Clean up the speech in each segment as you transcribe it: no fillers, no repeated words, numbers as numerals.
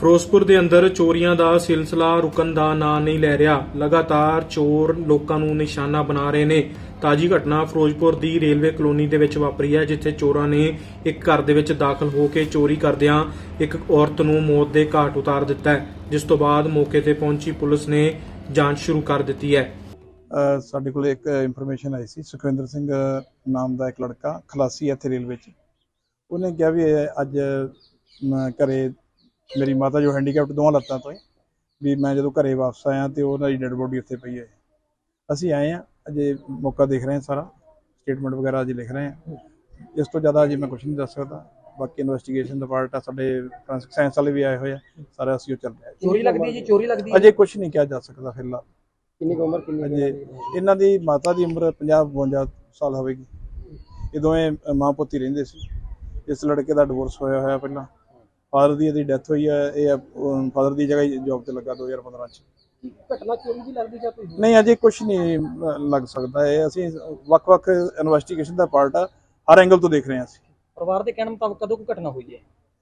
ਫਿਰੋਜ਼ਪੁਰ ਦੇ ਅੰਦਰ ਚੋਰੀਆਂ ਦਾ ਸਿਲਸਿਲਾ ਰੁਕਣ ਦਾ ਨਾਂ ਨਹੀਂ ਲੈ ਰਿਹਾ। ਲਗਾਤਾਰ ਚੋਰ ਲੋਕਾਂ ਨੂੰ ਨਿਸ਼ਾਨਾ ਬਣਾ ਰਹੇ ਨੇ। ਤਾਜੀ ਘਟਨਾ ਫਿਰੋਜ਼ਪੁਰ ਦੀ ਰੇਲਵੇ ਕਲੋਨੀ ਦੇ ਵਿੱਚ ਵਾਪਰੀ ਹੈ, ਜਿੱਥੇ ਚੋਰਾਂ ਨੇ ਇੱਕ ਘਰ ਦੇ ਵਿੱਚ ਦਾਖਲ ਹੋ ਕੇ ਚੋਰੀ ਕਰਦਿਆਂ ਇੱਕ ਔਰਤ ਨੂੰ ਮੌਤ ਦੇ ਘਾਟ ਉਤਾਰ ਦਿੱਤਾ ਹੈ, ਜਿਸ ਤੋਂ ਬਾਅਦ ਮੌਕੇ ਤੇ ਪਹੁੰਚੀ ਪੁਲਿਸ ਨੇ ਜਾਂਚ ਸ਼ੁਰੂ ਕਰ ਦਿੱਤੀ ਹੈ। ਸਾਡੇ ਕੋਲ ਇੱਕ ਇਨਫੋਰਮੇਸ਼ਨ ਆਈ ਸੀ। ਸੁਖਵਿੰਦਰ ਸਿੰਘ ਨਾਮ ਦਾ ਇੱਕ ਲੜਕਾ ਖਲਾਸੀ ਇੱਥੇ ਰੇਲਵੇ 'ਚ, ਉਹਨੇ ਕਿਹਾ ਵੀ ਅੱਜ ਘਰੇ ਮੇਰੀ ਮਾਤਾ ਜੋ ਹੈਂਡੀਕੈਪਟ ਦੋਵਾਂ ਲੱਤਾਂ ਤੋਂ ਵੀ ਮੈਂ ਜਦੋਂ ਘਰੇ ਵਾਪਸ ਆਇਆ ਤੇ ਉਹਨਾਂ ਦੀ ਡੈਡ ਬੋਡੀ ਉੱਥੇ ਪਈ ਹੈ। ਅਸੀਂ ਆਏ ਹਾਂ, ਅਜੇ ਮੌਕਾ ਦੇਖ ਰਹੇ ਹਾਂ, ਸਾਰਾ ਸਟੇਟਮੈਂਟ ਵਗੈਰਾ ਅਜੇ ਲਿਖ ਰਹੇ ਹਾਂ। ਇਸ ਤੋਂ ਜ਼ਿਆਦਾ ਅਜੇ ਮੈਂ ਕੁਝ ਨਹੀਂ ਦੱਸ ਸਕਦਾ। ਬਾਕੀ ਇਨਵੈਸਟੀਗੇਸ਼ਨ ਦਾ ਪਾਰਟ ਆ, ਸਾਡੇ ਫੋਰੈਂਸਿਕ ਸਾਇੰਸ ਵਾਲੇ ਵੀ ਆਏ ਹੋਏ ਆ, ਸਾਰਾ ਅਸੀਂ ਉਹ ਚੱਲ ਰਿਹਾ। ਚੋਰੀ ਲੱਗਦੀ ਹੈ ਜੀ, ਚੋਰੀ ਲੱਗਦੀ ਹੈ। ਅਜੇ ਕੁਝ ਨਹੀਂ ਕਿਹਾ ਜਾ ਸਕਦਾ ਫਿਲਹਾਲ। ਕਿੰਨੀ ਉਮਰ ਕਿੰਨੀ ਅਜੇ ਇਹਨਾਂ ਦੀ ਮਾਤਾ ਦੀ ਉਮਰ 50-52 ਸਾਲ ਹੋਵੇਗੀ। ਇਹ ਦੋਵੇਂ ਮਾਂ ਪੁੱਤ ਹੀ ਰਹਿੰਦੇ ਸੀ। ਇਸ ਲੜਕੇ ਦਾ ਡਿਵੋਰਸ ਹੋਇਆ ਪਹਿਲਾਂ। ਫਾਦਰ ਦੀ ਇਹਦੀ ਡੈਥ ਹੋਈ ਹੈ। ਇਹ ਫਾਦਰ ਦੀ ਜਗ੍ਹਾ ਜੌਬ ਤੇ ਲੱਗਾ 2015 ਚ। ਘਟਨਾ ਚੋਰੀ ਦੀ ਲੱਗਦੀ ਜਾਂ ਕੋਈ ਨਹੀਂ, ਅਜੇ ਕੁਝ ਨਹੀਂ ਲੱਗ ਸਕਦਾ। ਇਹ ਅਸੀਂ ਵੱਖ-ਵੱਖ ਇਨਵੈਸਟੀਗੇਸ਼ਨ ਦਾ ਪਾਰਟ ਆ, ਹਰ ਐਂਗਲ ਤੋਂ ਦੇਖ ਰਹੇ ਹਾਂ ਅਸੀਂ। ਪਰਿਵਾਰ ਦੇ ਕਹਿਣ ਮੁਤਾਬਕ ਕਦੋਂ ਕੋਈ ਘਟਨਾ ਹੋਈ ਹੈ?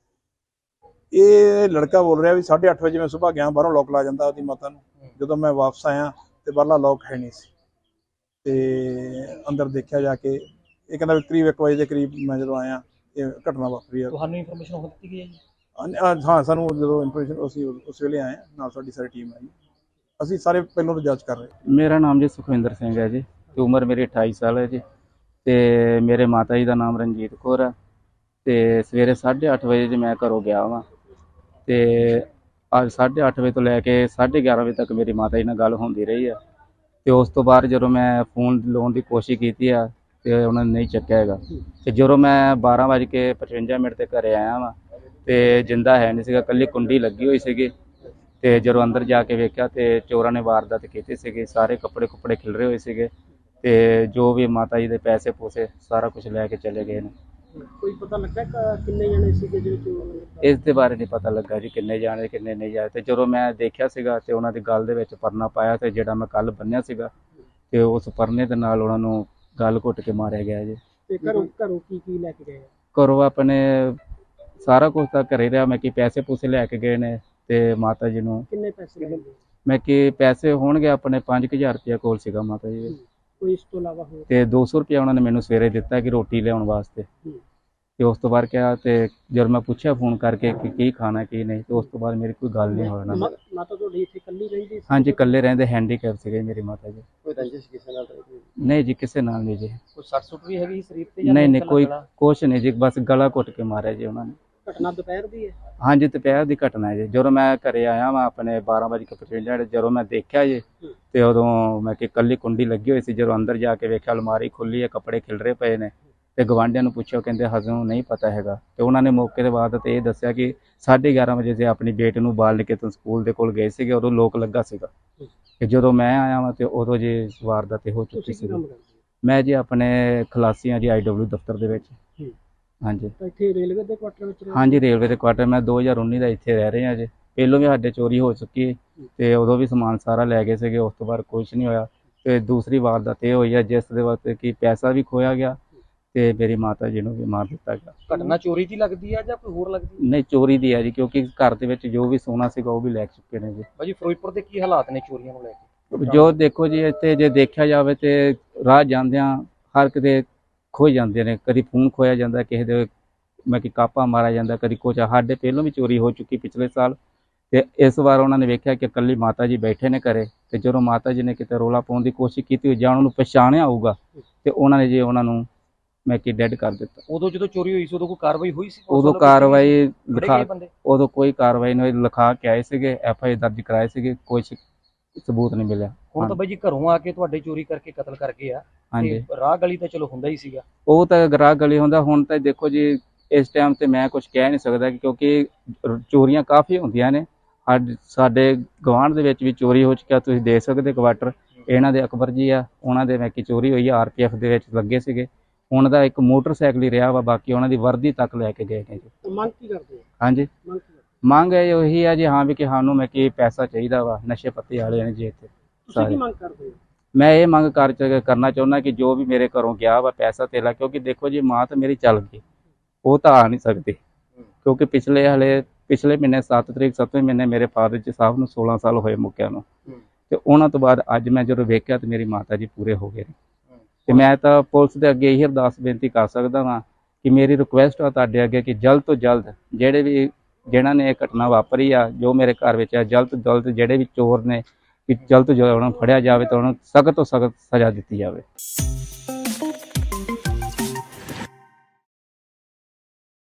ਇਹ ਲੜਕਾ ਬੋਲ ਰਿਹਾ ਵੀ 8:30 ਵਜੇ ਮੈਂ ਸੁਬਾਹ ਗਿਆ, ਬਾਹਰੋਂ ਲੋਕ ਲਾ ਜਾਂਦਾ ਉਹਦੀ ਮਾਤਾ ਨੂੰ। ਜਦੋਂ ਮੈਂ ਵਾਪਸ ਆਇਆ ਤੇ ਬਾਹਰਲਾ ਲੋਕ ਹੈ ਨਹੀਂ ਸੀ ਤੇ ਅੰਦਰ ਦੇਖਿਆ ਜਾ ਕੇ। ਇਹ ਕਹਿੰਦਾ ਵੀ ਕਰੀਬ 1 ਵਜੇ ਦੇ ਕਰੀਬ ਮੈਂ ਜਦੋਂ ਆਇਆ ਇਹ ਘਟਨਾ ਵਾਪਰੀ ਆ। ਤੁਹਾਨੂੰ ਇਨਫੋਰਮੇਸ਼ਨ ਹੋ ਦਿੱਤੀ ਗਈ ਹੈ ਜੀ? ਹਾਂ, ਸਾਨੂੰ ਜਦੋਂ ਇਨਫੋਰਮੇਸ਼ਨ ਅਸੀਂ ਉਸ ਵੇਲੇ ਆਏ, ਨਾਲ ਸਾਡੀ ਸਾਰੀ ਟੀਮ ਆਈ। ਅਸੀਂ ਸਾਰੇ ਪਹਿਲਾਂ ਤੋਂ ਜਾਂਚ ਕਰ ਰਹੇ। ਮੇਰਾ ਨਾਮ ਜੀ ਸੁਖਵਿੰਦਰ ਸਿੰਘ ਹੈ ਜੀ, ਤੇ ਉਮਰ ਮੇਰੀ 28 ਸਾਲ ਹੈ ਜੀ, ਤੇ ਮੇਰੇ ਮਾਤਾ ਜੀ ਦਾ ਨਾਮ ਰਣਜੀਤ ਕੌਰ ਹੈ। ਤੇ ਸਵੇਰੇ 8:30 ਵਜੇ ਜੀ ਮੈਂ ਘਰੋਂ ਗਿਆ ਵਾਂ, ਤੇ ਅੱਜ 8:30 ਵਜੇ ਤੋਂ ਲੈ ਕੇ 11:30 ਵਜੇ ਤੱਕ ਮੇਰੀ ਮਾਤਾ ਜੀ ਨਾਲ ਗੱਲ ਹੁੰਦੀ ਰਹੀ ਹੈ। ਤੇ ਉਸ ਤੋਂ ਬਾਅਦ ਜਦੋਂ ਮੈਂ ਫੋਨ ਲਾਉਣ ਦੀ ਕੋਸ਼ਿਸ਼ ਕੀਤੀ ਆ ਤੇ ਉਹਨਾਂ ਨੇ ਨਹੀਂ ਚੱਕਿਆ ਹੈਗਾ। ਤੇ ਜਦੋਂ ਮੈਂ 12:55 ਤੇ ਘਰੇ ਆਇਆ ਵਾਂ ਤੇ ਜਿੰਦਾ ਹੈ ਨਹੀਂ ਸੀਗਾ, ਕੱਲੀ ਕੁੰਡੀ ਲੱਗੀ ਹੋਈ ਸੀਗੀ। ਤੇ ਜਦੋਂ ਅੰਦਰ ਜਾ ਕੇ ਵੇਖਿਆ ਤੇ ਚੋਰਾਂ ਨੇ ਵਾਰਦਾਤ ਕੀਤੀ ਸੀਗੀ। ਸਾਰੇ ਕੱਪੜੇ ਖਿਲਰੇ ਹੋਏ ਸੀਗੇ, ਤੇ ਜੋ ਵੀ ਮਾਤਾ ਜੀ ਦੇ ਪੈਸੇ ਪੂਸੇ ਸਾਰਾ ਕੁਝ ਲੈ ਕੇ ਚਲੇ ਗਏ ਨੇ। ਕੋਈ ਪਤਾ ਲੱਗਾ ਕਿੰਨੇ ਜਣੇ ਸੀਗੇ ਜਿਹੜੇ ਚੋਰ? ਇਸ ਦੇ ਬਾਰੇ ਨਹੀਂ ਪਤਾ ਲੱਗਾ ਜੀ, ਕਿੰਨੇ ਜਾਣੇ ਕਿੰਨੇ ਨਹੀਂ ਜਾਣੇ। ਤੇ ਜਦੋਂ ਮੈਂ ਦੇਖਿਆ ਸੀਗਾ ਤੇ ਉਹਨਾਂ ਦੀ ਗਲ ਦੇ ਵਿੱਚ ਪਰਨਾ ਪਾਇਆ, ਤੇ ਜਿਹੜਾ ਮੈਂ ਕੱਲ ਬੰਨਿਆ ਸੀਗਾ ਤੇ ਉਸ ਪਰਨੇ ਦੇ ਨਾਲ ਉਹਨਾਂ ਨੂੰ ਗਲ ਘੁੱਟ ਕੇ ਮਾਰਿਆ ਗਿਆ ਜੀ। ਤੇ ਘਰੋਂ ਕੀ ਲੈ ਕੇ ਗਏ? ਘਰੋਂ ਆਪਣੇ ਸਾਰਾ ਕੁਝ ਤਾਂ ਘਰੇ ਰਿਹਾ। ਮੈਂ ਕਿ ਪੈਸੇ ਪੂਸੇ ਲੈ ਕੇ ਗਏ ਨੇ, ਤੇ ਮਾਤਾ ਜੀ ਨੂੰ ਕਿੰਨੇ ਪੈਸੇ ਲੱਗੇ? ਮੈਂ ਕਿ ਪੈਸੇ ਹੋਣਗੇ ਆਪਣੇ 5000 ਰੁਪਇਆ ਕੋਲ ਸੀਗਾ ਮਾਤਾ ਜੀ ਦੇ। ਕੋਈ ਇਸ ਤੋਂ ਇਲਾਵਾ ਹੋਰ? ਤੇ 200 ਰੁਪਇਆ ਉਹਨਾਂ ਨੇ ਮੈਨੂੰ ਸਵੇਰੇ ਦਿੱਤਾ ਕਿ ਰੋਟੀ ਲਿਆਉਣ ਵਾਸਤੇ। ਤੇ ਉਸ ਤੋਂ ਬਾਅਦ ਕਿਹਾ, ਤੇ ਜਦੋਂ ਮੈਂ ਪੁੱਛਿਆ ਫੋਨ ਕਰਕੇ ਕਿ ਕੀ ਖਾਣਾ ਕੀ ਨਹੀਂ, ਤੇ ਉਸ ਤੋਂ ਬਾਅਦ ਮੇਰੀ ਕੋਈ ਗੱਲ ਨਹੀਂ ਹੋਈ ਉਹਨਾਂ ਨਾਲ। ਮਾਤਾ ਤੁਹਾਡੀ ਇੱਥੇ ਇਕੱਲੀ ਰਹਿੰਦੀ ਸੀ? ਹਾਂਜੀ, ਇਕੱਲੇ ਰਹਿੰਦੇ, ਹੈਂਡੀਕੈਪ ਸੀਗੇ ਮੇਰੀ ਮਾਤਾ ਜੀ। ਕੋਈ ਰੰਜਿਸ਼ ਕਿਸੇ ਨਾਲ? ਨਹੀਂ ਜੀ, ਕਿਸੇ ਨਾਲ ਨਹੀਂ ਜੀ। ਕੋਈ ਸੱਟ ਸੁੱਟ ਵੀ ਹੈਗੀ ਸਰੀਰ ਤੇ? ਨਹੀਂ, ਕੋਈ ਕੁਛ ਨਹੀਂ ਜੀ, ਬਸ ਗਲਾ ਘੁੱਟ ਕੇ ਮਾਰਿਆ ਜੀ ਉਹਨਾਂ ਨੇ। ਘਟਨਾ ਦੁਪਹਿਰ ਦੀ ਹੈ? ਹਾਂਜੀ, ਦੁਪਹਿਰ ਦੀ ਘਟਨਾ ਹੈ ਜੀ। ਜਦੋਂ ਮੈਂ ਘਰੇ ਆਇਆ ਵਾਂ ਆਪਣੇ 12:55 ਜਦੋਂ ਮੈਂ ਦੇਖਿਆ ਜੀ, ਤੇ ਉਦੋਂ ਮੈਂ ਕਿ ਕੱਲੀ ਕੁੰਡੀ ਲੱਗੀ ਹੋਈ ਸੀ। ਜਦੋਂ ਅੰਦਰ ਜਾ ਕੇ ਵੇਖਿਆ ਅਲਮਾਰੀ ਖੁੱਲੀ ਹੈ, ਕੱਪੜੇ ਖਿਲਰੇ ਪਏ ਨੇ। ਤੇ ਗਵਾਂਢੀਆਂ ਨੂੰ ਪੁੱਛਿਆ, ਕਹਿੰਦੇ ਹਜੇ ਨਹੀਂ ਪਤਾ ਹੈਗਾ। ਤੇ ਉਹਨਾਂ ਨੇ ਮੌਕੇ ਦੇ ਬਾਅਦ ਤੇ ਇਹ ਦੱਸਿਆ ਕਿ 11:30 ਵਜੇ ਤੇ ਆਪਣੀ ਬੇਟੀ ਨੂੰ ਬਾਲ ਕੇ ਤੋਂ ਸਕੂਲ ਦੇ ਕੋਲ ਗਏ ਸੀਗੇ, ਉਦੋਂ ਲੋਕ ਲੱਗਾ ਸੀਗਾ। ਤੇ ਜਦੋਂ ਮੈਂ ਆਇਆ ਵਾਂ ਤੇ ਉਦੋਂ ਜੀ ਵਾਰਦਾਤ ਹੋ ਚੁੱਕੀ ਸੀ। ਮੈਂ ਜੀ ਆਪਣੇ ਖਲਾਸੀ ਹਾਂ ਜੀ, IW ਦਫ਼ਤਰ ਦੇ ਵਿੱਚ। ਹਾਂਜੀ, ਇੱਥੇ ਰੇਲਵੇ ਦੇ ਕੁਆਟਰ ਵਿੱਚ? ਹਾਂਜੀ, ਰੇਲਵੇ ਦੇ ਕੁਆਟਰ। ਮੈਂ 2019 ਦਾ ਇੱਥੇ ਰਹਿ ਰਹੇ ਹਾਂ ਜੀ। ਪਹਿਲੋਂ ਵੀ ਸਾਡੇ ਚੋਰੀ ਹੋ ਚੁੱਕੀ, ਤੇ ਉਦੋਂ ਵੀ ਸਮਾਨ ਸਾਰਾ ਲੈ ਗਏ ਸੀਗੇ। ਉਸ ਤੋਂ ਬਾਅਦ ਕੁਛ ਨਹੀਂ ਹੋਇਆ। ਤੇ ਦੂਸਰੀ ਵਾਰਦਾਤ ਇਹ ਹੋਈ ਹੈ ਜਿਸ ਦੇ ਵਾਸਤੇ ਕਿ ਪੈਸਾ ਵੀ ਖੋਇਆ ਗਿਆ, ਤੇ ਮੇਰੀ ਮਾਤਾ ਜੀ ਨੂੰ ਵੀ ਮਾਰ ਦਿੱਤਾ ਗਿਆ। ਘਟਨਾ ਚੋਰੀ ਦੀ ਲੱਗਦੀ ਹੈ ਜਾਂ ਕੋਈ ਹੋਰ ਲੱਗਦੀ? ਨਹੀਂ, ਚੋਰੀ ਦੀ ਹੈ ਜੀ, ਕਿਉਂਕਿ ਘਰ ਦੇ ਵਿੱਚ ਜੋ ਵੀ ਸੋਨਾ ਸੀਗਾ ਉਹ ਵੀ ਲੈ ਚੁੱਕੇ ਨੇ ਜੀ। ਭਾਜੀ ਫਿਰੋਜ਼ਪੁਰ ਦੇ ਕੀ ਹਾਲਾਤ ਨੇ ਚੋਰੀਆਂ ਨੂੰ ਲੈ ਕੇ? ਜੋ ਦੇਖੋ ਜੀ, ਇੱਥੇ ਜੇ ਦੇਖਿਆ ਜਾਵੇ ਤੇ ਰਾਹ ਜਾਂਦਿਆਂ ਹਰ ਕਿਤੇ ਖੋਏ ਜਾਂਦੇ ਨੇ। ਕਦੀ ਫੋਨ ਖੋਇਆ ਜਾਂਦਾ, ਕਿਸੇ ਦੇ ਮੈਂ ਕਿ ਕਾਪਾ ਮਾਰਿਆ ਜਾਂਦਾ, ਕਦੀ ਕੁਛ। ਸਾਡੇ ਪਹਿਲੋਂ ਵੀ ਚੋਰੀ ਹੋ ਚੁੱਕੀ ਪਿਛਲੇ ਸਾਲ। ਤੇ ਇਸ ਵਾਰ ਉਹਨਾਂ ਨੇ ਵੇਖਿਆ ਕਿ ਇਕੱਲੀ ਮਾਤਾ ਜੀ ਬੈਠੇ ਨੇ ਘਰੇ, ਤੇ ਜਦੋਂ ਮਾਤਾ ਜੀ ਨੇ ਕਿਤੇ ਰੋਲਾ ਪਾਉਣ ਦੀ ਕੋਸ਼ਿਸ਼ ਕੀਤੀ ਜਾਂ ਉਹਨਾਂ ਨੂੰ ਪਛਾਣਿਆ ਹੋਊਗਾ, ਤੇ ਉਹਨਾਂ ਨੇ ਜੀ ਉਹਨਾਂ ਨੂੰ ਮੈਂ ਕਿ ਡੈਡ ਕਰ ਦਿੱਤਾ। ਉਦੋਂ ਜਦੋਂ ਚੋਰੀ ਹੋਈ ਸੀ ਉਦੋਂ ਕੋਈ ਕਾਰਵਾਈ ਹੋਈ ਸੀ? ਉਦੋਂ ਕਾਰਵਾਈ ਉਦੋਂ ਕੋਈ ਕਾਰਵਾਈ ਨਹੀਂ ਹੋਈ। ਲਿਖਾ ਕੇ ਆਏ ਸੀਗੇ, FIR ਦਰਜ ਕਰਾਏ ਸੀਗੇ, ਕੋਈ ਸਬੂਤ ਨਹੀਂ ਮਿਲਿਆ। ਹੁਣ ਤਾਂ ਬਾਈ ਜੀ ਘਰੋਂ ਆ ਕੇ ਤੁਹਾਡੇ ਚੋਰੀ ਕਰਕੇ ਕਤਲ ਕਰ ਗਏ ਆ। ਹਾਂਜੀ, ਰਾਹ ਗਲੀ ਤਾਂ ਚਲੋ ਹੁੰਦਾ ਹੀ ਸੀਗਾ। ਉਹ ਤਾਂ ਗਰਾਹ ਗਲੀ ਹੁੰਦਾ। ਹੁਣ ਤਾਂ ਦੇਖੋ ਜੀ, ਇਸ ਟਾਈਮ ਤੇ ਮੈਂ ਕੁਝ ਕਹਿ ਨਹੀਂ ਸਕਦਾ, ਕਿਉਂਕਿ ਚੋਰੀਆਂ ਕਾਫੀ ਹੁੰਦੀਆਂ ਨੇ। ਸਾਡੇ ਗਵਾਂਢ ਦੇ ਵਿੱਚ ਵੀ ਚੋਰੀ ਹੋ ਚੁੱਕਿਆ, ਤੁਸੀਂ ਦੇਖ ਸਕਦੇ ਕੁਆਟਰ ਇਹਨਾਂ ਦੇ ਅਕਬਰ ਜੀ ਆ, ਉਹਨਾਂ ਦੇ ਮੈਂ ਕਿ ਚੋਰੀ ਹੋਈ ਆ। RPF ਦੇ ਵਿੱਚ ਲੱਗੇ ਸੀਗੇ। ਉਹਨਾਂ ਦਾ ਇੱਕ ਮੋਟਰਸਾਈਕਲ ਹੀ ਰਿਹਾ ਵਾ, ਬਾਕੀ ਉਹਨਾਂ ਦੀ ਵਰਦੀ ਤੱਕ ਲੈ ਕੇ ਗਏ ਨੇ ਜੀ। ਮੰਗ ਕੀ ਕਰਦੇ? ਹਾਂਜੀ, ਮੰਗ ਇਹ ਉਹੀ ਆ ਜੀ, ਹਾਂ ਵੀ ਕਿ ਸਾਨੂੰ ਮੈਂ ਕਿ ਪੈਸਾ ਚਾਹੀਦਾ ਵਾ। ਨਸ਼ੇ ਪੱਤੇ ਵਾਲੇ ਨੇ ਜੀ ਇੱਥੇ ਸਾਰੇ। ਮੰਗ ਕਰਦੇ? ਮੈਂ ਇਹ ਮੰਗ ਕਰਨਾ ਚਾਹੁੰਦਾ ਕਿ ਜੋ ਵੀ ਮੇਰੇ ਘਰੋਂ ਗਿਆ ਵਾ ਪੈਸਾ ਧੇਲਾ, ਕਿਉਂਕਿ ਦੇਖੋ ਜੀ ਮਾਂ ਤਾਂ ਮੇਰੀ ਚੱਲ ਗਈ, ਉਹ ਤਾਂ ਆ ਨਹੀਂ ਸਕਦੀ, ਕਿਉਂਕਿ ਪਿਛਲੇ ਹਲੇ ਪਿਛਲੇ ਮਹੀਨੇ 7 ਤਰੀਕ 7ਵੇਂ ਮਹੀਨੇ ਮੇਰੇ ਫਾਦਰ ਜੀ ਸਾਹਿਬ ਨੂੰ 16 ਸਾਲ ਹੋਏ ਮੁੱਕਿਆਂ ਨੂੰ, ਤੇ ਉਹਨਾਂ ਤੋਂ ਬਾਅਦ ਅੱਜ ਮੈਂ ਜਦੋਂ ਵੇਖਿਆ ਤੇ ਮੇਰੀ ਮਾਤਾ ਜੀ ਪੂਰੇ ਹੋ ਗਏ ਨੇ। ਤੇ ਮੈਂ ਤਾਂ ਪੁਲਿਸ ਦੇ ਅੱਗੇ ਇਹ ਅਰਦਾਸ ਬੇਨਤੀ ਕਰ ਸਕਦਾ ਹਾਂ ਕਿ ਮੇਰੀ ਰਿਕੁਐਸਟ ਆ ਤੁਹਾਡੇ ਅੱਗੇ ਕਿ ਜਲਦ ਤੋਂ ਜਲਦ ਜਿਹਨਾਂ ਨੇ ਇਹ ਘਟਨਾ ਵਾਪਰੀ ਆ ਜੋ ਮੇਰੇ ਘਰ ਵਿੱਚ ਆ, ਜਲਦ ਤੋਂ ਜਲਦ ਜਿਹੜੇ ਵੀ ਚੋਰ ਨੇ ਕਿ ਜਲਦ ਤੋਂ ਜਲਦ ਉਹਨਾਂ ਨੂੰ ਫੜਿਆ ਜਾਵੇ ਤੇ ਉਹਨਾਂ ਨੂੰ ਸਖਤ ਤੋਂ ਸਖਤ ਸਜ਼ਾ ਦਿੱਤੀ ਜਾਵੇ।